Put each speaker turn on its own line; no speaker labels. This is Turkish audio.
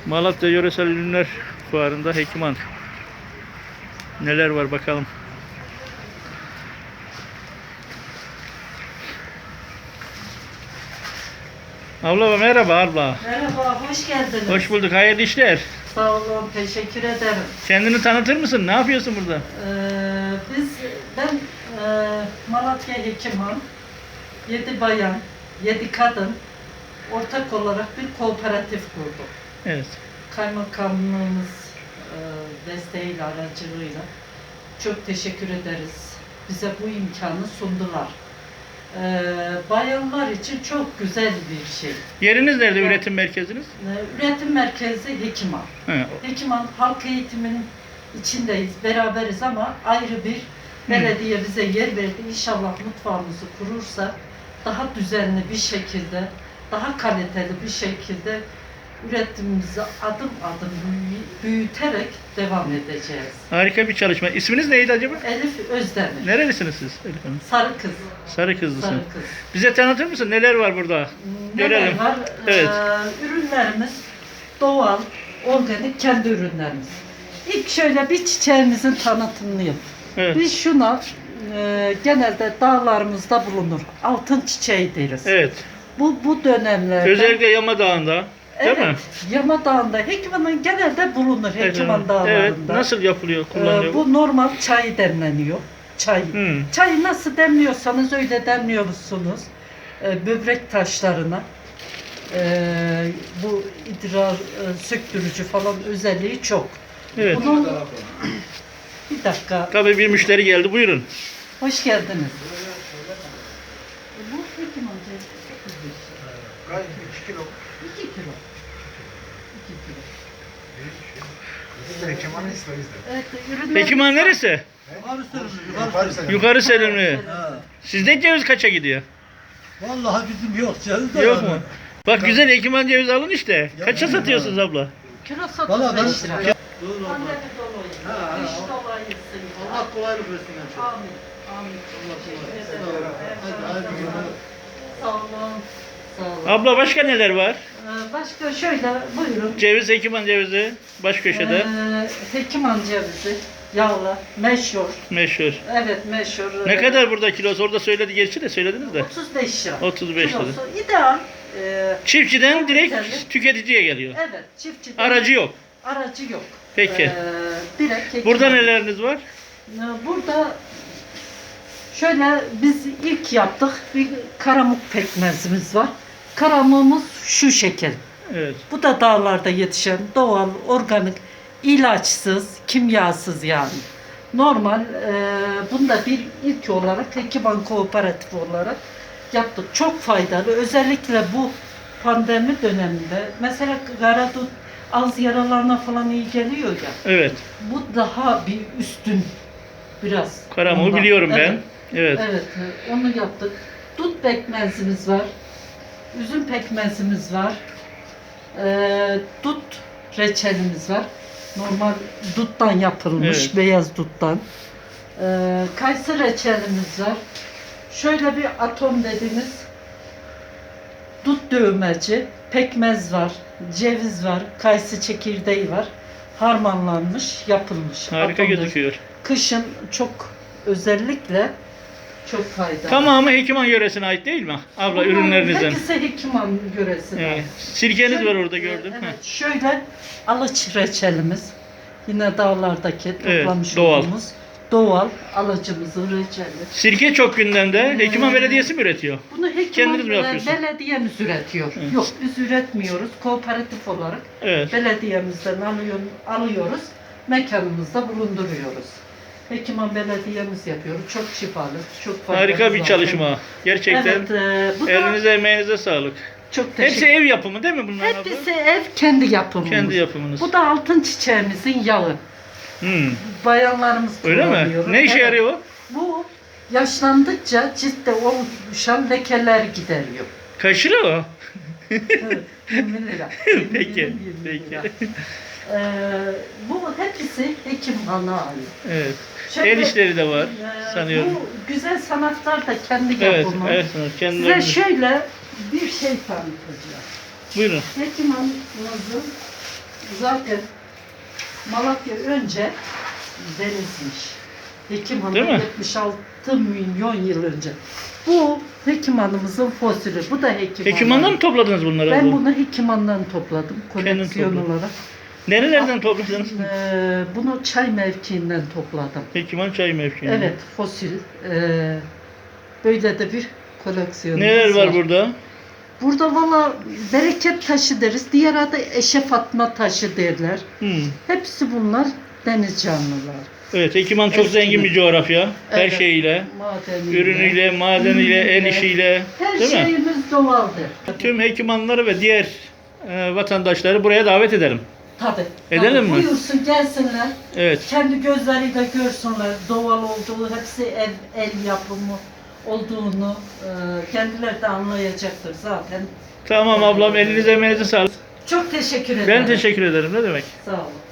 Malatya Yöresel Ürünler Fuarı'nda Hekiman. Neler var bakalım. Abla merhaba abla.
Merhaba, hoş geldiniz.
Hoş bulduk. Hayırlı işler.
Sağ olun, teşekkür ederim.
Kendini tanıtır mısın? Ne yapıyorsun burada?
Ben Malatya Hekiman, 7 bayan, 7 kadın ortak olarak bir kooperatif kurduk.
Evet.
Kaymakamlığımız desteğiyle, aracılığıyla çok teşekkür ederiz. Bize bu imkanı sundular. Bayanlar için çok güzel bir şey.
Yeriniz nerede?
Evet.
Üretim merkeziniz?
Üretim merkezi Hekiman.
He.
Hekiman halk eğitiminin içindeyiz, beraberiz ama ayrı bir belediye bize yer verdi. İnşallah mutfağımızı kurursa daha düzenli bir şekilde, daha kaliteli bir şekilde üretimimizi adım adım büyüterek devam edeceğiz.
Harika bir çalışma. İsminiz neydi acaba?
Elif Özdemir.
Nerelisiniz siz Elif Hanım?
Sarı kız.
Sarı kızlısın.
Sarı kız.
Bize tanıtır mısın? Neler var burada?
Neler
Görelim.
var?
Evet.
Ürünlerimiz doğal, organik kendi ürünlerimiz. İlk şöyle bir çiçeğimizin tanıtımını yap.
Evet.
Biz şuna genelde dağlarımızda bulunur. Altın çiçeği deriz.
Evet.
Bu dönemlerde
Özellikle Yama Dağı'nda. Değil mi?
Yama Dağı'nda, Hekiman'ın genelde bulunur Hekiman
Evet.
dağlarında.
Nasıl yapılıyor, kullanılıyor?
Bu normal çay demleniyor. Çay. Çayı nasıl demliyorsanız öyle demliyorsunuz. Böbrek taşlarına. Bu idrar söktürücü falan özelliği çok.
Evet.
Bunun... Bir dakika.
Tabii bir müşteri geldi. Buyurun.
Hoş geldiniz. Bu Hekiman
Kaç? 2 kilo.
2 kilo. 2 kilo.
Hekiman isteriz de.
Evet, ürünler...
Hekiman neresi? Yukarı Selimli. Sizde ceviz kaça gidiyor?
Vallahi bizim yok canım da.
Yok mu? Bak güzel Hekiman ceviz alın işte. Kaça satıyorsunuz abla?
Kilosu
Valla ben
35 lira.
Ya-
Pandemi dolayı.
Ha,
Dış
ha.
dolayısın.
Allah kolaylık versin.
Amin. Amin. Teşekkür ederim.
Hadi hayırlı günler.
Sağ olun. Sağ olun.
Abla başka neler var?
Başka şöyle buyurun.
Ceviz, Hekiman cevizi. Baş köşede.
Hekiman cevizi. Yağlı. Meşhur.
Meşhur.
Evet meşhur.
Ne kadar burada kilosu? Orada söyledi gerçi de söylediniz de.
35 lira.
35 lira.
Kilosu ideal.
Çiftçiden direkt
Güzel.
tüketiciye geliyor.
Evet. Çiftçiden.
Aracı yok.
Aracı yok.
Peki.
Direkt Hekiman.
Burada neleriniz var?
Burada şöyle biz ilk yaptık bir karamuk pekmezimiz var. Karamuğumuz şu şekil.
Evet.
Bu da dağlarda yetişen doğal, organik, ilaçsız, kimyasız yani. Normal, bunda bir ilk olarak Hekiman Kooperatif olarak yaptık. Çok faydalı. Özellikle bu pandemi döneminde mesela garadut, ağız yaralarına falan iyi geliyor ya.
Evet.
Bu daha bir üstün biraz.
Karamuğu
ondan.
biliyorum ben.
Evet.
Evet.
Evet, onu yaptık. Dut pekmezimiz var. Üzüm pekmezimiz var. Dut reçelimiz var. Normal duttan yapılmış,
Evet.
beyaz duttan. Kayısı reçelimiz var. Şöyle bir atom dediğimiz dut dövmeci, pekmez var, ceviz var, kayısı çekirdeği var. Harmanlanmış, yapılmış.
Harika
atom
gözüküyor.
Kışın çok özellikle çok faydalı.
Tamamı Hekiman yöresine ait değil mi? Abla
Bunların
ürünlerinizden.
hepsi Hekiman yöresinde.
Evet. Sirkeniz
Şöyle-
var orada gördüm.
Evet, şöyle alıç reçelimiz. Yine dağlardaki
Evet,
toplamış
doğal.
olduğumuz doğal alıcımızın reçeli.
Sirke çok gündemde. Hekiman Belediyesi mi üretiyor?
Bunu Hekiman
Kendiniz mi yapıyorsunuz?
belediyemiz üretiyor.
Evet.
Yok biz üretmiyoruz. Kooperatif olarak
Evet.
belediyemizden alıyoruz. Mekanımızda bulunduruyoruz. Hekiman belediyemiz yapıyoruz. Çok şifalı, çok faydalı.
Harika bir
zaten.
çalışma. Gerçekten
Evet, bu da
elinize emeğinize sağlık.
çok teşekkür
Hepsi ev yapımı değil mi bunlar abla?
Hepsi ev kendi yapımımız.
Kendi yapımınız.
Bu da altın çiçeğimizin yağı.
Hmm.
Bayanlarımız
Öyle
kullanıyor.
mi? Ne işe
Evet.
yarıyor o?
Bu yaşlandıkça ciltte oluşan lekeler gideriyor.
Kaç lira o?
Evet, 20 lira.
Peki,
20
peki.
lira. Bu hepsi Hekiman'a ait.
Evet.
Şöyle,
El işleri de var sanıyorum.
Bu güzel sanatlar da kendi
Evet,
yapımı.
evet.
Size
Kendilerine.
şöyle bir şey tanıtacağım.
Buyurun.
Hekiman'ımızın zaten Malatya önce denizmiş. Hekim Hanım
Değil mi?
76 milyon yıl önce. Bu Hekim Hanım'ımızın fosili. Bu da Hekim
Hekiman'dan
Hanım.
mı topladınız bunları?
Ben
abla?
bunu Hekim Hanım'dan topladım. Koleksiyon
topladın.
olarak.
Nerelerden topladınız?
Bunu çay mevkiinden topladım.
Hekiman çay mevkiinde.
Evet, fosil. Böyle de bir koleksiyonumuz
Neler var burada?
Burada valla bereket taşı deriz. Diğer adı Eşref Atma taşı derler. Hepsi bunlar deniz canlılar.
Evet, Hekiman çok
Eskiden.
zengin bir coğrafya. Her
Evet.
şeyiyle,
Madeniyle.
ürünüyle, madeniyle, el işiyle,
Her
değil mi?
şeyimiz doğaldır.
Tüm Hekimanları ve diğer vatandaşları buraya davet edelim.
Tabii.
Edelim mi?
Buyursun gelsinler.
Evet.
Kendi gözleriyle görsünler. Doğal olduğu, hepsi el yapımı olduğunu kendileri de anlayacaktır zaten.
Tamam ablam, elinize emeğinize sağlık.
Çok teşekkür ederim.
Ben teşekkür ederim. Ne demek?
Sağ olun.